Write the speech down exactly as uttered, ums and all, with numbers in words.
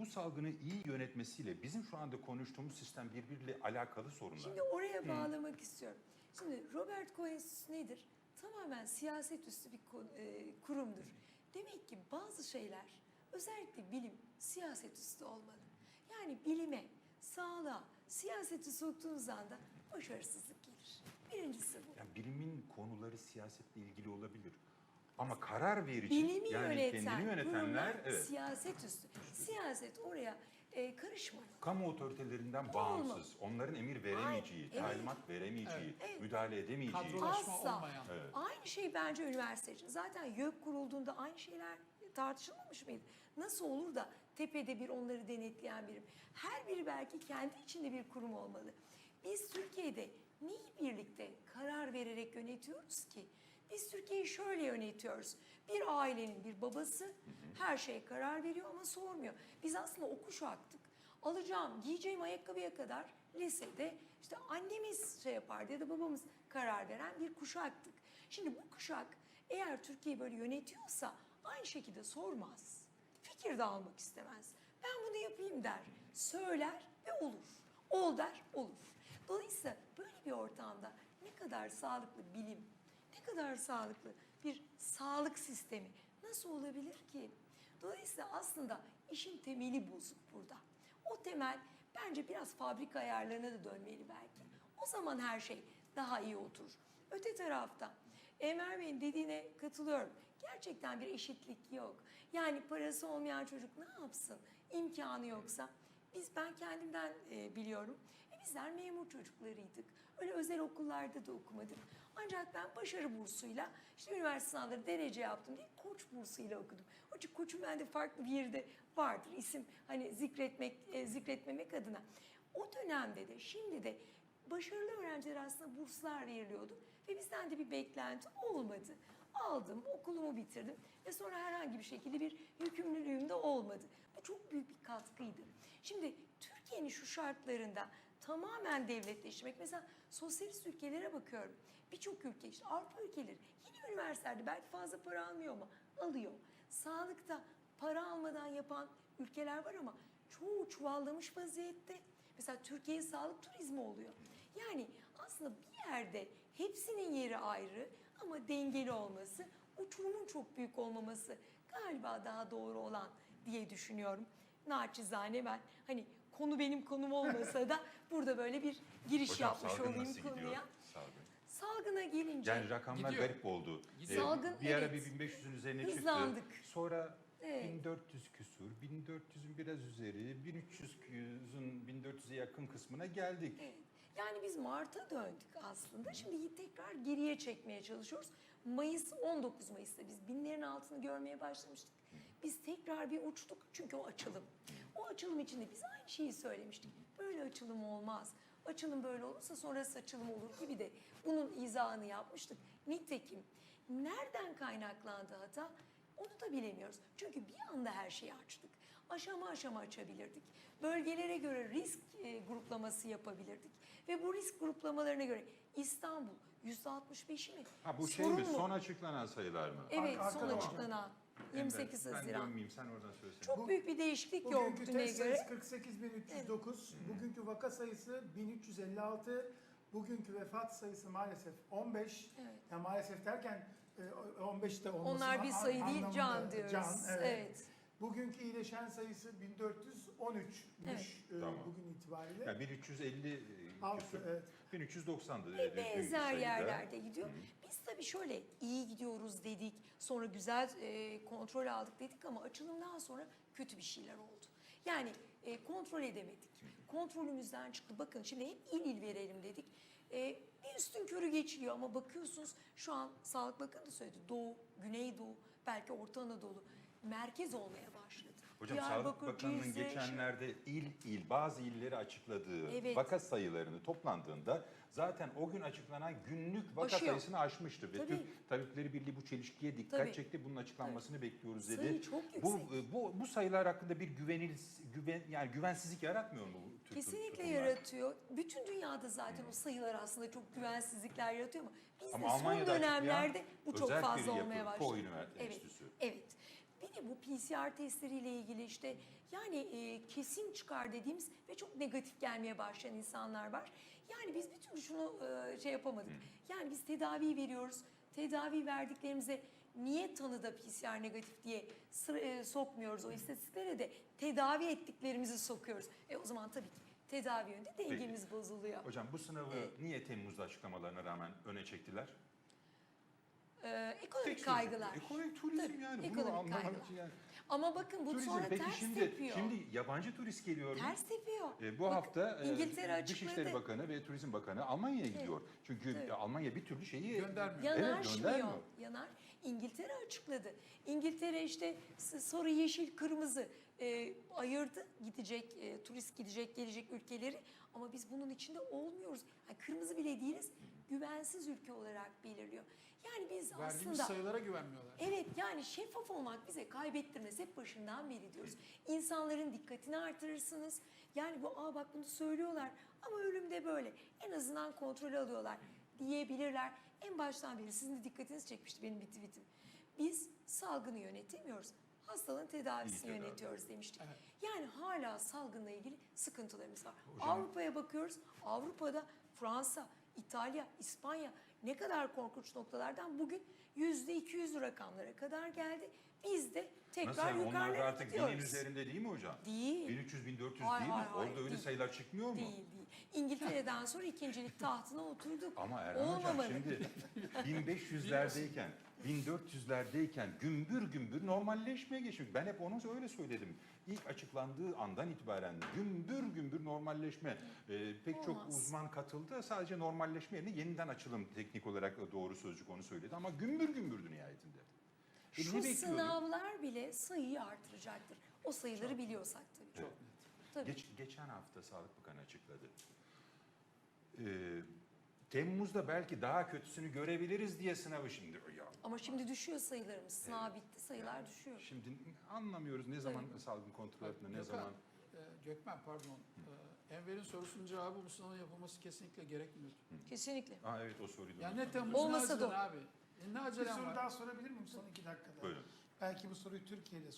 salgını iyi yönetmesiyle bizim şu anda konuştuğumuz sistem birbiriyle alakalı sorunlar. Şimdi oraya bağlamak istiyorum. Şimdi Robert Koch Enstitüsü nedir? Tamamen siyaset üstü bir kurumdur. Demek ki bazı şeyler, özellikle bilim, siyaset üstü olmalı. Yani bilime, sağlığa, siyaseti soktuğunuz anda başarısızlık gelir. Birincisi bu. Yani bilimin konuları siyasetle ilgili olabilir. Ama karar verici, Bilimi yani yöneten, kendini yönetenler, kurumlar evet. siyaset üstü. Siyaset oraya e, karışmalı. Kamu otoritelerinden bağımsız, onların emir veremeyeceği, Ay, evet. talimat veremeyeceği, Evet. müdahale edemeyeceği. Kadrolaşma Asla. olmayan. Evet. Aynı şey bence üniversite için. Zaten YÖK kurulduğunda aynı şeyler tartışılmamış mıydı? Nasıl olur da tepede bir onları denetleyen birim? Her biri belki kendi içinde bir kurum olmalı. Biz Türkiye'de neyi birlikte karar vererek yönetiyoruz ki? Biz Türkiye'yi şöyle yönetiyoruz. Bir ailenin bir babası her şeye karar veriyor ama sormuyor. Biz aslında o kuşaktık. Alacağım, giyeceğim ayakkabıya kadar lisede işte annemiz şey yapardı ya da babamız karar veren bir kuşaktık. Şimdi bu kuşak eğer Türkiye'yi böyle yönetiyorsa aynı şekilde sormaz. Fikir de almak istemez. Ben bunu yapayım der. Söyler ve olur. Ol der, olur. Dolayısıyla böyle bir ortamda ne kadar sağlıklı bilim, ne kadar sağlıklı bir sağlık sistemi nasıl olabilir ki? Dolayısıyla aslında işin temeli bozuk burada. O temel bence biraz fabrika ayarlarına da dönmeli belki. O zaman her şey daha iyi oturur. Öte tarafta Enver Bey'in dediğine katılıyorum. Gerçekten bir eşitlik yok. Yani parası olmayan çocuk ne yapsın? İmkanı yoksa. Biz, ben kendimden e, biliyorum. E, bizler memur çocuklarıydık. Öyle özel okullarda da okumadık. Ancak ben başarı bursuyla işte üniversite sınavları derece yaptım diye Koç bursuyla okudum. Onun için Koç'un bende farklı bir yerde vardır. İsim hani zikretmek, e, zikretmemek adına. O dönemde de şimdi de başarılı öğrencilere aslında burslar veriliyordu. Ve bizden de bir beklenti olmadı. Aldım, okulumu bitirdim ve sonra herhangi bir şekilde bir yükümlülüğüm de olmadı. Bu çok büyük bir katkıydı. Şimdi Türkiye'nin şu şartlarında tamamen devletleşmek, mesela sosyalist ülkelere bakıyorum. Birçok ülke, işte Avrupa ülkeleri yine üniversitelerde belki fazla para almıyor ama alıyor. Sağlıkta para almadan yapan ülkeler var ama çoğu çuvallamış vaziyette. Mesela Türkiye'ye sağlık turizmi oluyor. Yani aslında bir yerde hepsinin yeri ayrı ama dengeli olması, uçurumun çok büyük olmaması galiba daha doğru olan diye düşünüyorum. Naçizane ben hani konu benim konum olmasa da burada böyle bir giriş Hocam, yapmış salgın olayım nasıl konuya. gidiyor? Salgın. Salgına gelince Yani rakamlar Gidiyor. garip oldu. Gidiyor. Salgın, bir ara evet. bir bin beş yüzün üzerine Hızlandık. çıktı. Sonra Evet. bin dört yüz küsur, bin dört yüzün biraz üzeri, bin üç yüzün bin dört yüze yakın kısmına geldik. Evet. Yani biz Mart'a döndük aslında. Şimdi tekrar geriye çekmeye çalışıyoruz. Mayıs, on dokuz Mayıs'ta biz binlerin altını görmeye başlamıştık. Biz tekrar bir uçtuk çünkü o açılım. O açılım içinde biz aynı şeyi söylemiştik. Böyle açılım olmaz. Açılım böyle olursa sonrası açılım olur gibi de bunun izahını yapmıştık. Nitekim nereden kaynaklandı hata? Onu da bilemiyoruz. Çünkü bir anda her şeyi açtık. Aşama aşama açabilirdik. Bölgelere göre risk e, gruplaması yapabilirdik. Ve bu risk gruplamalarına göre İstanbul yüzde altmış beşi mi? Ha bu şey Sorun mi? mu? Son açıklanan sayılar mı? Evet, Ar- son arkada var. açıklanan yirmi sekiz Ben Haziran. dönmeyeyim, sen oradan söylesene. Çok büyük bir değişiklik Bugünkü yok düne test sayısı göre. kırk sekiz bin üç yüz dokuz, bugünkü vaka sayısı bin üç yüz elli altı, bugünkü vefat sayısı maalesef on beş. Evet. Yani maalesef derken e, on beşte olması Onlar bir sayı değil, anlamında can diyoruz. Can, evet. Evet. Bugünkü iyileşen sayısı bin dört yüz on üçmüş Evet. e, Tamam. bugün itibariyle. Yani bin üç yüz elli Altı, küsur, evet. bin üç yüz doksandı. Ve benzer yerlerde gidiyor. Biz tabii şöyle iyi gidiyoruz dedik, sonra güzel e, kontrol aldık dedik ama açılımdan sonra kötü bir şeyler oldu. Yani e, kontrol edemedik. Kontrolümüzden çıktı. Bakın şimdi hep il il verelim dedik. E, bir üstün körü geçiliyor ama bakıyorsunuz şu an Sağlık Bakanı da söyledi. Doğu, Güneydoğu, belki Orta Anadolu merkez olmaya başladı. Hocam Sağlık Diyarbakır, Bakanı'nın Cizre, geçenlerde il il bazı illeri açıkladığı Evet. vaka sayılarını toplandığında zaten o gün açıklanan günlük vaka Aşıyor. sayısını aşmıştı. Ve Tabii. Türk Tabipleri Birliği bu çelişkiye dikkat Tabii. çekti. Bunun açıklanmasını bekliyoruz dedi. Sayı çok bu, yüksek. bu bu sayılar hakkında bir güvenil güven yani güvensizlik yaratmıyor mu bu tür Kesinlikle tutumlar? yaratıyor. Bütün dünyada zaten o sayılar aslında çok güvensizlikler yaratıyor ama bizde Ama son Almanya'da dönemlerde açıklayan bu çok özel fazla bir yapı, olmaya Koç başladı. Üniversitesi Evet, Enstitüsü. evet. Bir Yine bu P C R testleriyle ilgili işte yani e, kesin çıkar dediğimiz ve çok negatif gelmeye başlayan insanlar var. Yani biz bir türlü şunu e, şey yapamadık. Yani biz tedavi veriyoruz. Tedavi verdiklerimize niye tanıda P C R negatif diye sıra, e, sokmuyoruz o istatistiklere de tedavi ettiklerimizi sokuyoruz. E o zaman tabii ki tedavi yönünde dengemiz bozuluyor. Hocam bu sınavı Evet. niye Temmuz'da açıklamalarına rağmen öne çektiler? Ee, ekonomik Tek sözü- kaygılar. Ekonomik turizm Tabii, yani. Bunu ekonomik anlamak kaygılar. için yani. Ama bakın bu Turizm sonra peki ters şimdi tepiyor. şimdi yabancı turist geliyor mu? Ters tepiyor. E, bu Bakın, hafta e, İngiltere Dışişleri açıkladı. Bakanı ve Turizm Bakanı Almanya'ya gidiyor. Çünkü Tabii. e, Almanya bir türlü şeyi Göndermiyor. Evet, Yanaşmıyor. göndermiyor. Yanar. İngiltere açıkladı. İngiltere işte s- sarı, yeşil, kırmızı e, ayırdı gidecek, e, turist gidecek, gelecek ülkeleri. Ama biz bunun içinde olmuyoruz. Yani kırmızı bile değiliz. Güvensiz ülke olarak belirliyor. Yani biz Verdiğimiz aslında... sayılara güvenmiyorlar. Evet yani şeffaf olmak bize kaybettirmez. Hep başından beri diyoruz. İnsanların dikkatini artırırsınız. Yani bu aa bak bunu söylüyorlar ama ölümde böyle. En azından kontrol alıyorlar diyebilirler. En baştan beri sizin de dikkatinizi çekmişti benim bir tweetim. Biz salgını yönetemiyoruz. Hastalığın tedavisini İyi tedavi. yönetiyoruz demiştik. Evet. Yani hala salgınla ilgili sıkıntılarımız var. Hocam- Avrupa'ya bakıyoruz. Avrupa'da Fransa, İtalya, İspanya ne kadar korkunç noktalardan bugün yüzde iki yüz rakamlara kadar geldi. Biz de tekrar Nasıl yani? Onlar da yukarılara artık gidiyoruz. binin üzerinde değil mi hocam? Değil. bin üç yüz bin dört yüz Hayır, değil mi? hayır, hayır, Orada öyle değil. sayılar çıkmıyor mu? Değil değil. İngiltere'den sonra ikincilik tahtına oturduk. Ama Erhan Hocam Olmamalı. şimdi bin beş yüzlerdeyken, bin dört yüzlerdeyken gümbür gümbür normalleşmeye geçmiş. Ben hep onu öyle söyledim. İlk açıklandığı andan itibaren gümbür gümbür normalleşme. Ee, pek çok Olmaz. uzman katıldı. Sadece normalleşme yerine yeniden açılım teknik olarak doğru sözcük onu söyledi. Ama gümbür gümbürdü nihayetinde. E, Şu ne bekliyorduk? sınavlar bile sayıyı artıracaktır. O sayıları biliyorsak tabii. Çok net. Tabii. Geç, geçen hafta Sağlık Bakanı açıkladı. Ee, Temmuz'da belki daha kötüsünü görebiliriz diye sınavı şimdi. Ya, Ama şimdi düşüyor sayılarımız. Sınav bitti, sayılar düşüyor. şimdi anlamıyoruz ne zaman salgın kontrol altında, ne Gökhan, zaman. e, Gökmen pardon. E, Enver'in sorusunun cevabı bu sınavın yapılması kesinlikle gerekmiyor. Kesinlikle. Aa, evet o soruyu da Yani ne unuttum. Temmuz ne Olmasa da acelen o. abi. E, ne Bir acelem soru var? daha sorabilir miyim son iki dakikada? Buyurun. Belki bu soruyu Türkiye'de